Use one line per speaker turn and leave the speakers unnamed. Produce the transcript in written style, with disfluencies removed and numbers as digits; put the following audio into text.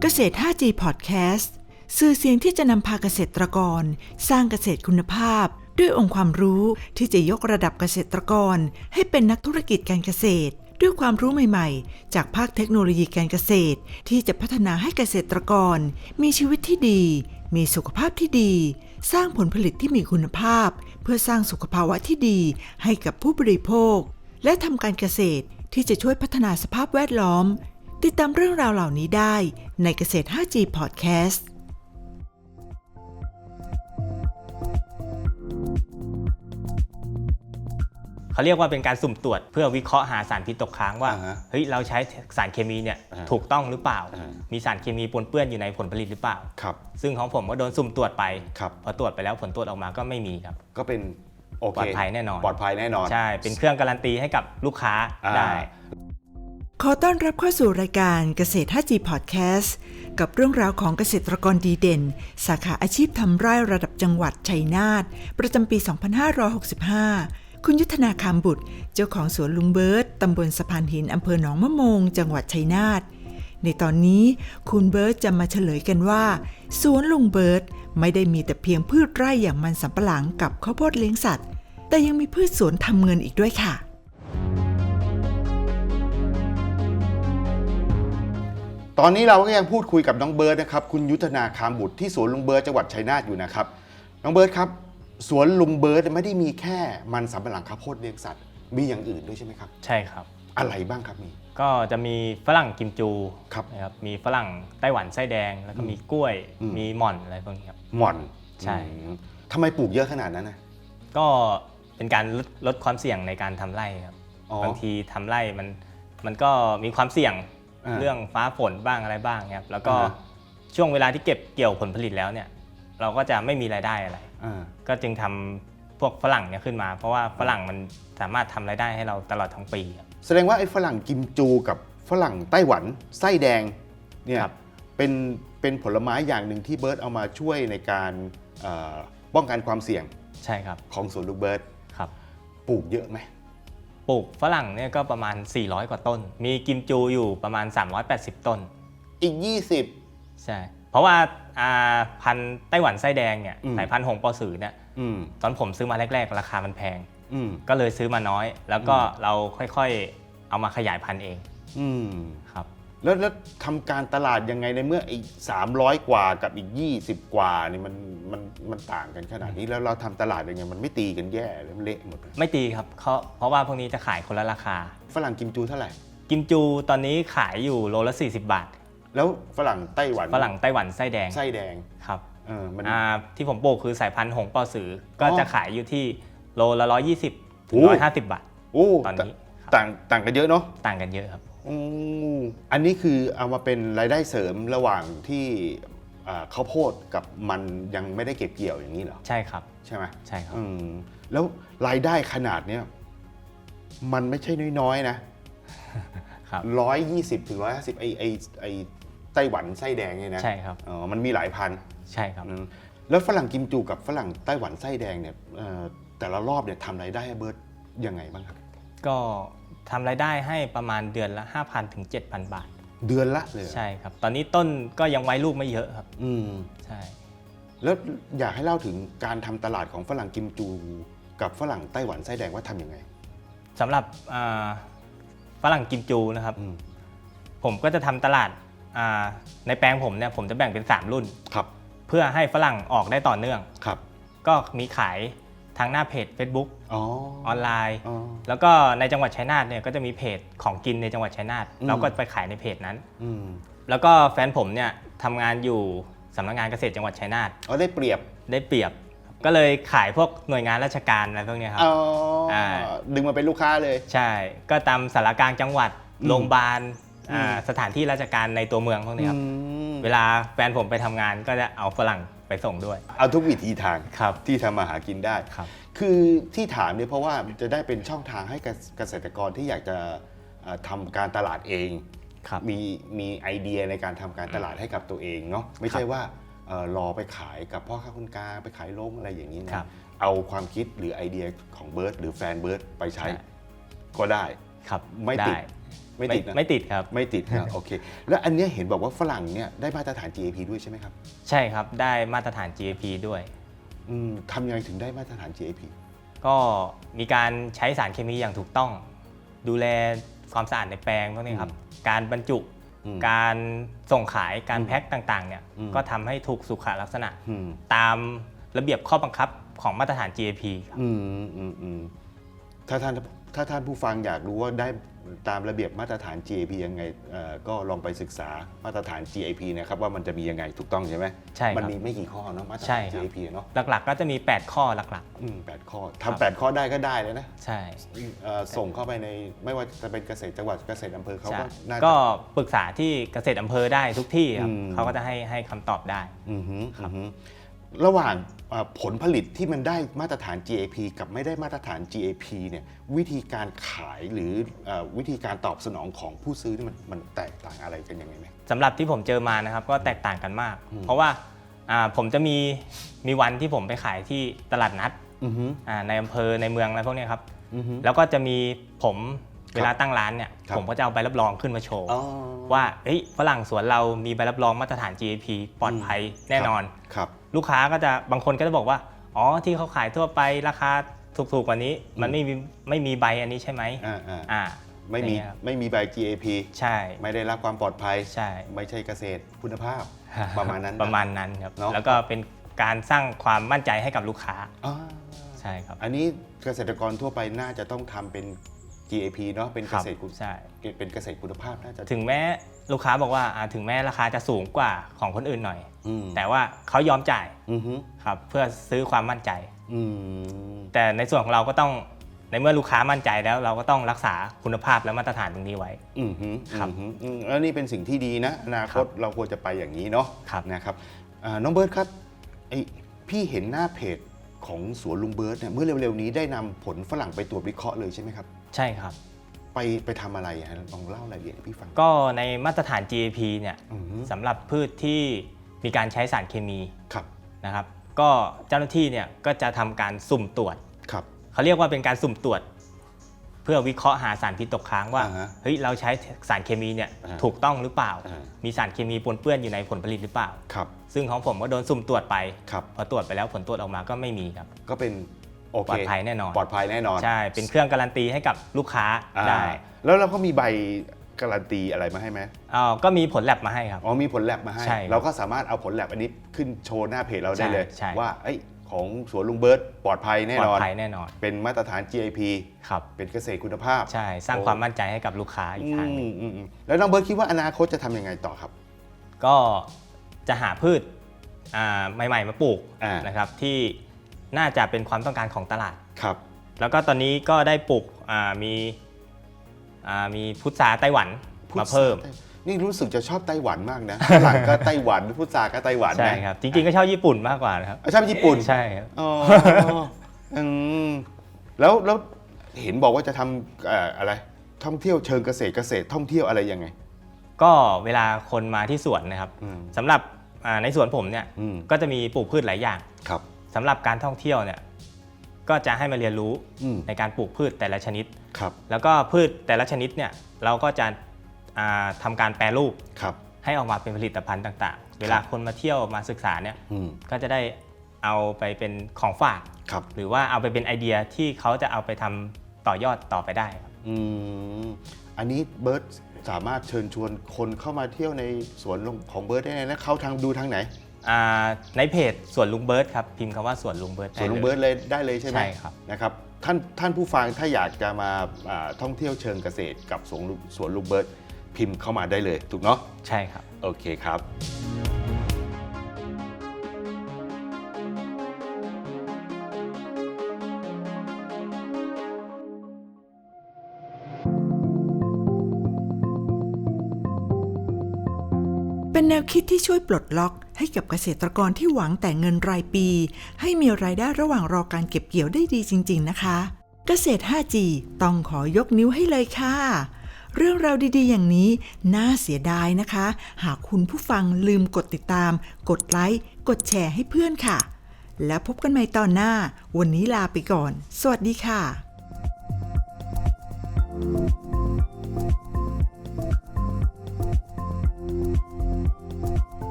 เกษตร 5G Podcast สื่อเสียงที่จะนำพาเกษตรกรสร้างเกษตรคุณภาพด้วยองค์ความรู้ที่จะยกระดับเกษตรกรให้เป็นนักธุรกิจการเกษตรด้วยความรู้ใหม่ๆจากภาคเทคโนโลยีการเกษตรที่จะพัฒนาให้เกษตรกรมีชีวิตที่ดีมีสุขภาพที่ดีสร้างผลผลิตที่มีคุณภาพเพื่อสร้างสุขภาวะที่ดีให้กับผู้บริโภคและทำการเกษตรที่จะช่วยพัฒนาสภาพแวดล้อมติดตามเรื่องราวเหล่านี้ได้ในเกษตร 5G Podcast
เขาเรียกว่าเป็นการสุ่มตรวจเพื่อวิเคราะห์หาสารพิษตกค้างว่าเฮ้ยเราใช้สารเคมีเนี่ยถูกต้องหรือเปล่ามีสารเคมีปนเปื้อนอยู่ในผลผลิตหรือเปล่าซึ่งของผมก็โดนสุ่มตรวจไปพอตรวจไปแล้วผลตรวจออกมาก็ไม่มีครับ
ก็เป็นโอเค
ปลอดภัยแน่นอน
ใ
ช่เป็นเครื่องการันตีให้กับลูกค้าได้
ขอต้อนรับเข้าสู่รายการเกษตร 5G Podcast กับเรื่องราวของเกษตรกรดีเด่นสาขาอาชีพทำไร่ระดับจังหวัดชัยนาทประจำปี 2565 คุณยุทธนาคำบุตรเจ้าของสวนลุงเบิร์ตตำบลสะพานหินอำเภอหนองมะโมงจังหวัดชัยนาทในตอนนี้คุณเบิร์ตจะมาเฉลยกันว่าสวนลุงเบิร์ตไม่ได้มีแต่เพียงพืชไร่อย่างมันสำปะหลังกับข้าวโพดเลี้ยงสัตว์แต่ยังมีพืชสวนทำเงินอีกด้วยค่ะ
ตอนนี้เราก็ยังพูดคุยกับน้องเบิร์ตนะครับคุณยุทธนาคามบุตรที่สวนลุงเบิร์ตจังหวัดชัยนาทอยู่นะครับน้องเบิร์ตครับสวนลุงเบิร์ตไม่ได้มีแค่มันสำปะหลังข้าวโพดเลี้ยงสัตว์มีอย่างอื่นด้วยใช่ไหมครับ
ใช่ครับ
อะไรบ้างครับมี
ก็จะมีฝรั่งกิมจูนะครับมีฝรั่งไต้หวันไส้แดงแล้วก็มีกล้วยมีหม่อนอะไรพวกนี้ครับ
หม่อน
ใช่
ทำไมปลูกเยอะขนาดนั้นนะ
ก็เป็นการลดความเสี่ยงในการทำไร่ครับบางทีทำไร่มันก็มีความเสี่ยงเรื่องฟ้าฝนบ้างอะไรบ้างครับแล้วก็ช่วงเวลาที่เก็บเกี่ยวผลผลิตแล้วเนี่ยเราก็จะไม่มีรายได้อะไรก็จึงทำพวกฝรั่งเนี่ยขึ้นมาเพราะว่าฝรั่งมันสามารถทำรายได้ให้เราตลอดทั้งปี
แสดงว่าไอ้ฝรั่งกิมจูกับฝรั่งไต้หวันไส้แดงเนี่ยเป็นผลไม้อย่างหนึ่งที่เบิร์ตเอามาช่วยในการป้องกันความเสี่ยง
ใช่ครับ
ของสวนลุงเบิร์ต
ครับ
ปลูกเยอะไหม
ปลูกฝรั่งเนี่ยก็ประมาณ400กว่าต้นมีกิมจูอยู่ประมาณ380ต้น
อีก20
ใช่เพราะว่าพันธุ์ไต้หวันไส้แดงเนี่ยสายพันธุ์หงปอสือเนี่ยตอนผมซื้อมาแรกๆราคามันแพงก็เลยซื้อมาน้อยแล้วก็เราค่อยๆเอามาขยายพันธุ์เองครับ
แล้วทำการตลาดยังไงในเมื่ออีก300กว่ากับอีก20กว่านี่มันต่างกันขนาดนี้แล้วเราทำตลาดยังไงมันไม่ตีกันแย่เลยมันเละหมด
ไม่ตีครับเพราะว่าพวกนี้จะขายคนละราคา
ฝรั่งกิมจูเท่าไหร่
กิมจูตอนนี้ขายอยู่โลละ40 บาท
แล้วฝรั่งไต้หวัน
ไส้แดงครับที่ผมปลูกคือสายพันธุ์หงปอสือก็จะขายอยู่ที่โลละ120ถึง150 บาทตอนนี้
ต่างกันเยอะเนาะ
ต่างกันเยอะครับ
อันนี้คือเอามาเป็นรายได้เสริมระหว่างที่ข้าวโพดกับมันยังไม่ได้เก็บเกี่ยวอย่างนี้เหรอ
ใช่ครับ
ใช่ไหม
ใช่ครับ
แล้วรายได้ขนาดเนี้ยมันไม่ใช่น้อยๆนะ120ถึง150ไอไต้หวันไส้แดงเนี่ยนะ
ใช่ครับ
มันมีหลายพัน
ใช่ครับ
แล้วฝรั่งกิมจูกับฝรั่งไต้หวันไส้แดงเนี่ยแต่ละรอบเนี่ยทำรายได้ให้เบิร์ตยังไงบ้างครับ
ก็ทำรายได้ให้ประมาณเดือนละ 5,000 ถึง 7,000 บาท
เดือนละเลย
ใช่ครับตอนนี้ต้นก็ยังไว้ลูกไม่เยอะครับใช่
แล้วอยากให้เล่าถึงการทำตลาดของฝรั่งกิมจูกับฝรั่งไต้หวันไส้แดงว่าทำยังไง
สำหรับฝรั่งกิมจูนะครับผมก็จะทำตลาดในแปลงผมเนี่ยผมจะแบ่งเป็น3รุ่นเพื่อให้ฝรั่งออกได้ต่อเนื่องก็มีขายทางหน้าเพจ Facebook ออนไลน์แล้วก็ในจังหวัดชัยนาทเนี่ยก็จะมีเพจของกินในจังหวัดชัยนาทเราก็ไปขายในเพจนั้นแล้วก็แฟนผมเนี่ยทำงานอยู่สำนักงานเกษตรจังหวัดชัยนาท
ได้เปรียบ
ก็เลยขายพวกหน่วยงานราชการอะไรพวกนี้ครับ
ดึงมาเป็นลูกค้าเลย
ใช่ก็ตามสารกลางจังหวัดโรงพยาบาลสถานที่ราชการในตัวเมืองพวกนี้ครับเวลาแฟนผมไปทำงานก็จะเอาฝรั่งไปส่งด้วย
เอาทุกวิธีทางที่ทำมาหากินได้คือที่ถามเนี่ยเพราะว่าจะได้เป็นช่องทางให้เกษตรกรที่อยากจะทำการตลาดเองมีไอเดียในการทำการตลาดให้กับตัวเองเนาะไม่ใช่ว่ารอไปขายกับพ่อค้าคนกลางไปขายลงอะไรอย่างนี้นะเอาความคิดหรือไอเดียของเบิร์ตหรือแฟนเบิร์ตไปใช้ก็ได้ไม่ไม่ติดนะ
ไม่ติดครับ
ไม่ติดนะโอเคแล้วอันเนี้ยเห็นบอกว่าฝรั่งเนี่ยได้มาตรฐาน GAP ด้วยใช่ไหมครับ
ใช่ครับได้มาตรฐาน GAP ด้วย
ทำยังไงถึงได้มาตรฐาน GAP
ก็มีการใช้สารเคมีอย่างถูกต้อง ดูแลความสะอาดในแปลงพวกนี้ครับการบรรจุการส่งขายการแพ็คต่างๆเนี่ยก็ทำให้ถูกสุขลักษณะตามระเบียบข้อบังคับของมาตรฐาน GAP ครับ
ถ้าท่านผู้ฟังอยากรู้ว่าได้ตามระเบียบมาตรฐาน GAP ยังไงก็ลองไปศึกษามาตรฐาน GAP นะครับว่ามันจะมียังไงถูกต้องใช่ไหม
ใช่ครับ
มันมีไม่กี่ข้อเนาะมาตรฐาน GAP เนาะ
หลักๆก็จะมี8ข้อหลัก
8ข้อทำ8ข้อได้ก็ได้เลยนะ
ใช่
ส่งเข้าไปในไม่ว่าจะเป็นเกษตรจังหวัดเกษตรอำเภอเขาก็น่าจะ
ก็ปรึกษาที่เกษตรอำเภอได้ทุกที่ครับเขาก็จะให้คำตอบได้
ครับระหว่างผลผลิตที่มันได้มาตรฐาน GAP กับไม่ได้มาตรฐาน GAP เนี่ยวิธีการขายหรือวิธีการตอบสนองของผู้ซื้อนี่มันแตกต่างอะไรกันยังไงไหม
สำหรับที่ผมเจอมานะครับก็แตกต่างกันมากเพราะว่าผมจะมีวันที่ผมไปขายที่ตลาดนัดในอำเภอในเมืองอะไรพวกนี้ครับแล้วก็จะมีผมเวลาตั้งร้านเนี่ยผมก็จะเอาใบรับรองขึ้นมาโชว์ว่าฝรั่งสวนเรามีใบรับรองมาตรฐาน GAP ปลอดภัยแน่นอนลูกค้าก็จะบางคนก็จะบอกว่าอ๋อที่เขาขายทั่วไปราคาถูกๆกว่านี้มันไม่มีใบอันนี้ใช่ไหม
ไม่มีใบ GAP
ใช่
ไม่ได้รับความปลอดภัย
ใช่
ไม่ใช่เกษตรคุณภาพประมาณนั้น
ครับแล้วก็เป็นการสร้างความมั่นใจให้กับลูกค้าใช่ครับ
อันนี้เกษตรกรทั่วไปน่าจะต้องทำเป็น GAP เนาะเป็นเกษตรเป็นเกษตรคุณภาพน่าจะ
ถึงแม้ลูกค้าบอกว่าถึงแม้ราคาจะสูงกว่าของคนอื่นหน่อยแต่ว่าเขายอมจ่ายครับเพื่อซื้อความมั่นใจแต่ในส่วนของเราก็ต้องในเมื่อลูกค้ามั่นใจแล้วเราก็ต้องรักษาคุณภาพและมาตรฐานตรงนี้ไว้
ครับแล้วนี่เป็นสิ่งที่ดีนะอนาคตเราควรจะไปอย่างนี้เนาะนะครับน้องเบิร์ตครับพี่เห็นหน้าเพจของสวนลุงเบิร์ตเนี่ยเมื่อเร็วๆนี้ได้นำผลฝรั่งไปตรวจวิเคราะห์เลยใช่ไหมครับ
ใช่ครับ
ไปทำอะไรลองเล่ารายละเอียดให้พี่ฟัง
ก็ในมาตรฐาน GAP เนี่ยสำหรับพืชที่มีการใช้สารเคมีนะครับก็เจ้าหน้าที่เนี่ยก็จะทำการสุ่มตรวจเขาเรียกว่าเป็นการสุ่มตรวจเพื่อวิเคราะห์หาสารพิษตกค้างว่าเฮ้ยเราใช้สารเคมีเนี่ยถูกต้องหรือเปล่ามีสารเคมีปนเปื้อนอยู่ในผลผลิตหรือเปล่าซึ่งของผมก็โดนสุ่มตรวจไปพอตรวจไปแล้วผลตรวจออกมาก็ไม่มีครับ
ก็เป็น
ปลอดภัยแน่นอน
ปลอดภัยแน่นอน
ใช่เป็นเครื่องการันตีให้กับลูกค้าได้
แล้วเราก็มีใบการันตีอะไรมาให้ไหม
ก็มีผลแลบมาให้ครับ
มีผลแลบมาให้เราก็สามารถเอาผลแลบอันนี้ขึ้นโชว์หน้าเพจเราได้เลยว่าของสวนลุงเบิร์ตปลอดภัยแน่นอนเป็นมาตรฐาน GAP เป็นเกษตรคุณภาพ
ใช่สร้างความมั่นใจให้กับลูกค้าอีกทางนึง
แล้วน้องเบิร์ตคิดว่าอนาคตจะทำยังไงต่อครับ
ก็จะหาพืชใหม่ๆมาปลูกนะครับที่น่าจะเป็นความต้องการของตลาดแล้วก็ตอนนี้ก็ได้ปลูกมีพุทราไต้หวันมาเพิ่ม
นี่รู้สึกจะชอบไต้หวันมากนะฝรั่งก็ไต้หวันพุทราก็ไต้หวัน
ใช่ครับจริงๆก็ชอบญี่ปุ่นมากกว่านะครับ
ชอบญี่ปุ่น
ใช่ครับ
แล้วเห็นบอกว่าจะทำอะไรท่องเที่ยวเชิงเกษตรท่องเที่ยวอะไรยังไง
ก็เวลาคนมาที่สวนนะครับสำหรับในสวนผมเนี่ยก็จะมีปลูกพืชหลายอย่างสำหรับการท่องเที่ยวเนี่ยก็จะให้มาเรียนรู้ในการปลูกพืชแต่ละชนิดแล้วก็พืชแต่ละชนิดเนี่ยเราก็จะทำการแปรรูปให้ออกมาเป็นผลิตภัณฑ์ต่างๆเวลาคนมาเที่ยวมาศึกษาเนี่ยก็จะได้เอาไปเป็นของฝากหรือว่าเอาไปเป็นไอเดียที่เขาจะเอาไปทำต่อยอดต่อไปได้
อันนี้เบิร์ตสามารถเชิญชวนคนเข้ามาเที่ยวในสวนของเบิร์ตได้นะเขาดูทางไหน
ในเพจสวนลุงเบิร์ตครับพิมพ์คำว่าสวนลุงเบิร์ต
สวนลุงเบิร์ตเลยได้เลยใช่ไหม
ใช่ครับ
นะครับท่านผู้ฟังถ้าอยากจะมาท่องเที่ยวเชิงเกษตรกับสวนลุงเบิร์ตพิมพ์เข้ามาได้เลยถูกเนาะ
ใช่ครับ
โอเคครับ
เป็นแนวคิดที่ช่วยปลดล็อกให้กับเกษตรกรที่หวังแต่เงินรายปีให้มีรายได้ระหว่างรอการเก็บเกี่ยวได้ดีจริงๆนะคะเกษตร 5G ต้องขอยกนิ้วให้เลยค่ะเรื่องราวดีๆอย่างนี้น่าเสียดายนะคะหากคุณผู้ฟังลืมกดติดตามกดไลค์กดแชร์ให้เพื่อนค่ะแล้วพบกันใหม่ตอนหน้าวันนี้ลาไปก่อนสวัสดีค่ะ